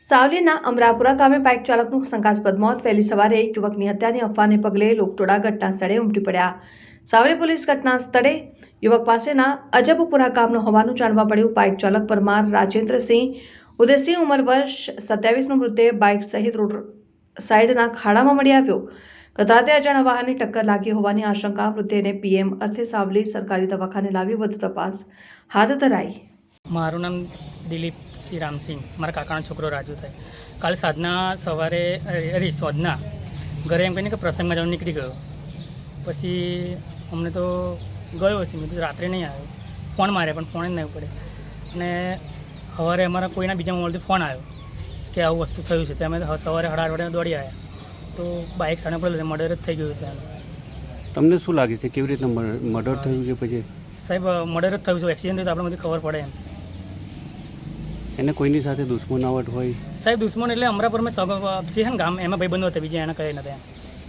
સાવલીના અમરાપુરા ગામે બાઇક ચાલકનું શંકાસ્પદ મોત. વહેલી સવારે એક યુવકની હત્યાની અફવાને પગલે લોકટોળા ઘટના સ્થળે ઉમટી પડ્યા. સાવલી પોલીસ ઘટના સ્થળે યુવક પાસેના અજબપુરા ગામનો હોવાનું જાણવા મળ્યું. બાઇક ચાલક પરમાર રાજેન્દ્રસિંહ ઉદયસિંહ ઉંમર વર્ષ 27નો મૃતદેહ બાઇક સહિત રોડ સાઈડના ખાડામાં મળી આવ્યો. ગત રાતે અજાણ્યા વાહનની ટક્કર લાગી હોવાની આશંકા. મૃતદેહને પીએમ અર્થે સાવલી સરકારી દવાખાને લાવી વધુ તપાસ હાથ ધરાઈ. મારું નામ દિલીપ શ્રી રામસિંહ, મારા કાકાનો છોકરો રાજુ થાય. કાલે સાંજના સવારે સોજના ઘરે એમ કહીને કે પ્રસંગમાં જવાનું નીકળી ગયો. પછી અમને તો ગયો હશે, મેં તો રાત્રે નહીં આવ્યો. ફોન માર્યા પણ ફોન જ નહીં પડે. અને સવારે અમારા કોઈના બીજા મોબાઈલથી ફોન આવ્યો કે આવું વસ્તુ થયું છે. તે અમે સવારે 8:30 વાગે દોડી આવ્યા તો બાઇક સામે પડેલું, મર્ડર જ થઈ ગયું છે. તમને શું લાગે છે, કેવી રીતના મર્ડર થયું છે? પછી સાહેબ મર્ડર જ થયું છે, એક્સિડન્ટ થયું તો આપણે બધી ખબર પડે એમ. એને કોઈની સાથે દુશ્મનાવટ હોય? સાહેબ દુશ્મન એટલે અમરાપુરમાં જે છે ને ગામ, એમાં ભાઈબંધો હતા, બીજા એને કહે નથી.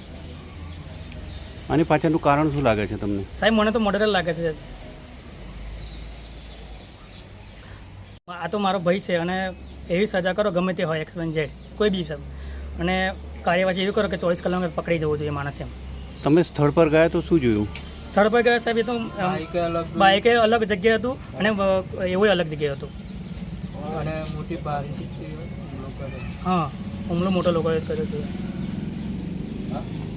આની પાછળનું કારણ શું લાગે છે તમને? સાહેબ મને તો મર્ડર લાગે છે. આ તો મારો ભાઈ છે અને એવી સજા કરો ગમે તે હોય, XYZ કોઈ બી સાહેબ, અને કાર્યવાહી એવી કરો કે 24 કલાક પકડી જવું જોઈએ માણસ એમ. તમે સ્થળ પર ગયા તો શું જોયું? સ્થળ પર ગયા સાહેબ, એ તો બાઇકે અલગ જગ્યાએ હતું અને એવું અલગ જગ્યાએ હતું. અને મોટી બારી હા, હુમલો મોટો લોકોએ કર્યો છે.